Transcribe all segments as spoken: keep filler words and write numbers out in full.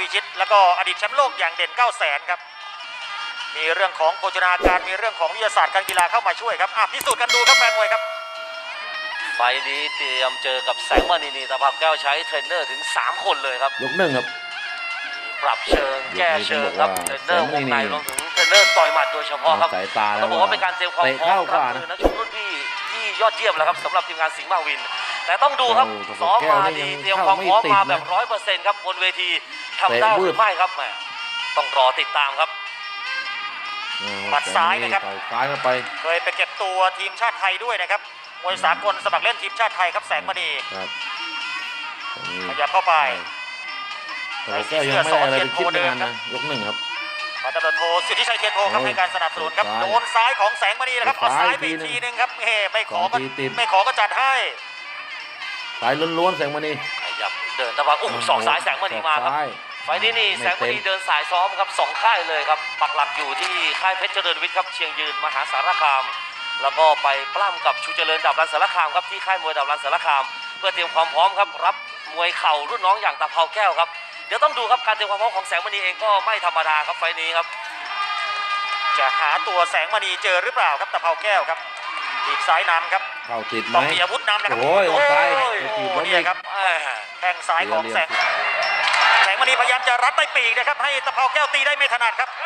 พิชิตแล้วก็อดีตแชมป์โลกอย่างเด่นเก้าแสนครับมีเรื่องของโภชนาการมีเรื่องของวิทยาศาสตร์การกีฬาเข้ามาช่วยครับพิสูจน์กันดูครับแฟนมวยครับไฟนี้เตรียมเจอกับแสงมณีนีตะพับแก้วใช้เทรนเนอร์ถึงสามคนเลยครับยกหนึ่งครับปรับเชิงแก้เชิงครับเทรนเนอร์วงในรวมถึงเทรนเนอร์ต่อยหมัดโดยเฉพาะครับสายตาแล้วต้องบอกว่าเป็นการเตรียมความพร้อมรับมือนักชกรุ่นพี่ที่ยอดเยี่ยมแล้วครับสำหรับทีมงานสิงห์มาวินแต่ต้องดูครับซ้อมมาดีเตรียมความพร้อมมาแบบร้อยเปอร์เซ็นต์ครับบนเวทีทำได้หรือไม่ครับแหมต้องรอติดตามครับหมัดซ้ายนะครับซ้ายเข้าไปเคยไปเก็บตัวทีมชาติไทยด้วยนะครับมวยสากลสมัครเล่นทีมชาติไทยครับแสงมณีขยับเข้าไปใส่เสื้อยังไม่ได้อะไรเป็นคิดนานนะยกหนึ่งครับพันตำรวจโทสิทธิชัยเทียนโทครับให้การสนับสนุนครับโดนซ้ายของแสงมณีนะครับเอาซ้ายไปทีนึงครับเฮ้ไม่ขอก็ไม่ขอก็จัดให้สายล้วนๆแสงมณีขยับเดินตะวันอุ้มสองสายแสงมณีมาครับไฟนี้นี่แสงมณีเดินสายซ้อมครับสองค่ายเลยครับปักหลักอยู่ที่ค่ายเพชรเจริญวิทย์ครับเชียงยืนมหาสารคามแล้วก็ไปปล้ำกับชูเจริญดาบรันสารคามครับที่ค่ายมวยดาบรันสารคามเพื่อเตรียมความพร้อมครับรับมวยเข่ารุ่นน้องอย่างตะเภาแก้วครับเดี๋ยวต้องดูครับการเตรียมความพร้อมของแสงมณีเองก็ไม่ธรรมดาครับไฟนี้ครับจะหาตัวแสงมณีเจอหรือเปล่าครับตะเภาแก้วครับทีมซ้ายนำครับเข่าติดไหมต้องมีอาวุธนำนะครับโอ้ยซ้ายนี่ครับแข้งซ้ายของแสงแสงมณีพยายามจะรัดใต้ปีกนะครับให้ตะเภาแก้วตีได้ไม่ถนัดครับ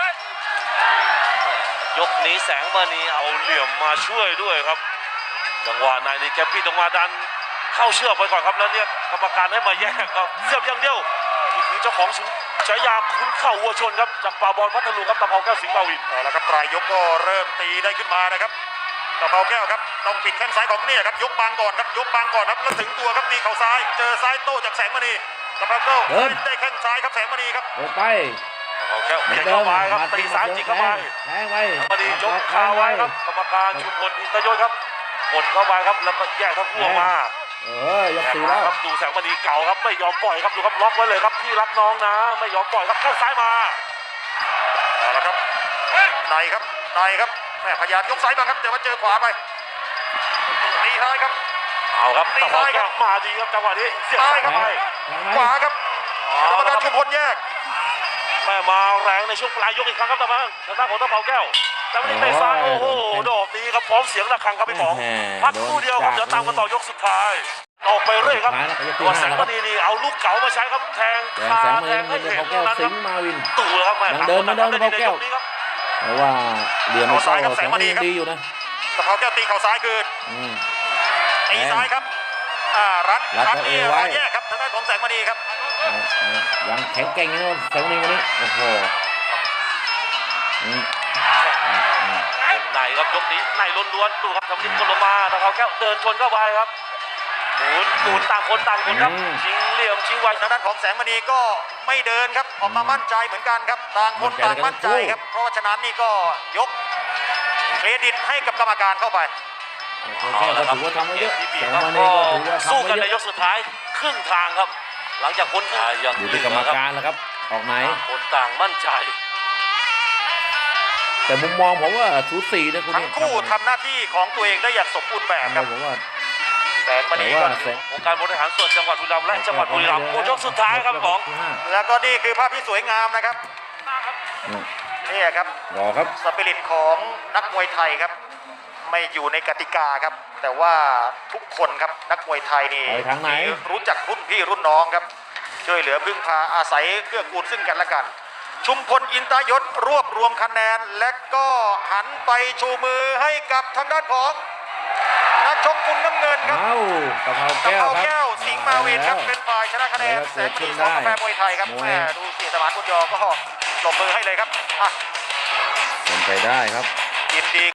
ยกนี้แสงมณีเอาเหลี่ยมมาช่วยด้วยครับจังหวะนายนี่แกปี้ต้องมาดันเข้าเชือกไปก่อนครับแล้วเนี่ยกรรมการให้มาแยกครับเสียบอย่างเดียวนี่คือเจ้าของฉายาขุนเข่าวัวชนครับจากป่าบอลพัทลุงครับตะเภาแก้วสิงห์มาวินแล้วครับปลายยกก็เริ่มตีได้ขึ้นมานะครับตะเภาแก้วครับต้องปิดแข้งซ้ายของเนี่ยครับยกบางก่อนครับยกบางก่อนครับแล้วถึงตัวครับตีเข่าซ้ายเจอซ้ายโต้จากแสงมณีตะเภาแก้วได้แข้งซ้ายครับแสงมณีครับไปตะเภาแก้วเข็นเข้าไปครับตีซ้ายจิกเข้าไปแทงไปมณียกขาไว้ครับกรรมการชุมพลอินทยศครับกดเข้าไปครับแล้วก็แยกทั้งคู่มาเออยกตีแล้วครับดูแสงมณีเก่าครับไม่ยอมปล่อยครับดูครับล็อกไว้เลยครับพี่รักน้องนะไม่ยอมปล่อยครับแข้งซ้ายมาเอาละครับในครับในครับแม่พยายามยกซ้ายมาครับแต่ว่าเจอขวาไปตีท้ายครับเอาครับตีท้ายครับมาดีครับจังหวะนี้เสียบซ้ายครับไปขวาครับกรรมการชุมพลแยกแม่มาแรงในช่วงปลายยกอีกครั้งครับตะวันทางด้านของตะเภาแก้วแต่ไม่ได้เตะซ้ายโอ้โหดอกนี้ครับพร้อมเสียงระฆังครับพี่ป๋องพักคู่เดียวครับเดี๋ยวตามกันต่อยกสุดท้ายออกไปเรื่อยครับตัวแสงมณีนี่เอาลูกเก๋ามาใช้ครับแทงขาแทงให้เห็นตรงนั้นครับตู่ครับแม่เดินมาเดินตะเภาแก้วเพราะว่าเหลี่ยมไม่ซ้ายกับแสงมณีดีอยู่นะตะเภาแก้วตีเข่าซ้ายคืนตีซ้ายครับอ่ารัดรัดนี่รอยแยกครับทางด้านของแสงมณีครับยังแข็งแกร่งอยู่นะแสงมณีวันนี้โอ้โหไหนครับยกนี้ไหนล้วนๆดูครับทำดิ้นกดลงมาตะเภาแก้วเดินชนเข้าไปครับหมุนหมุนต่างคนต่างคนครับชิงเหลี่ยมชิงไวทางด้านของแสงมณีก็ไม่เดินครับออกมามั่นใจเหมือนกันครับต่างคนต่างมั่นใจครับเพราะฉะนั้นนี่ก็ยกเครดิตให้กับกรรมการเข้าไปก็ถือว่าทำมาเยอะแสงมณีก็ถือว่าสู้กันในยกสุดท้ายครึ่งทางครับหลังจากพ้นยังอยู่ที่กรรมการแล้วครับออกไหนคนต่างมั่นใจแต่มุมมองผมว่าสูสีนะคุณทั้งคู่ทำหน้าที่ของตัวเองได้อย่างสมบูรณ์แบบครับผมว่าแสงมณีก็องค์การบริหารส่วนจังหวัดบุรีรัมย์และจังหวัดบุรีรัมย์ยกสุดท้ายครับของแล้วก็นี่คือภาพที่สวยงามนะครับนี่ครับรอครับสปิริตของนักมวยไทยครับไม่อยู่ในกติกาครับแต่ว่าทุกคนครับนักมวยไทยนี่รู้จักรุ่นพี่รุ่นน้องครับช่วยเหลือพึ่งพาอาศัยเกื้อกูลซึ่งกันและกันชุมพลอินทยศรวบรวมคะแนนและก็หันไปชูมือให้กับทางด้านของนักชกมุมน้ำเงินครับตะเภาแก้วครับสิงห์มาวินครับเป็นฝ่ายชนะคะแนนแสงมณีของกาแฟมวยไทยครับแม่ดูเสียสมานบุญยอก็ปรบมือให้เลยครับเป็นไปได้ครับยินดี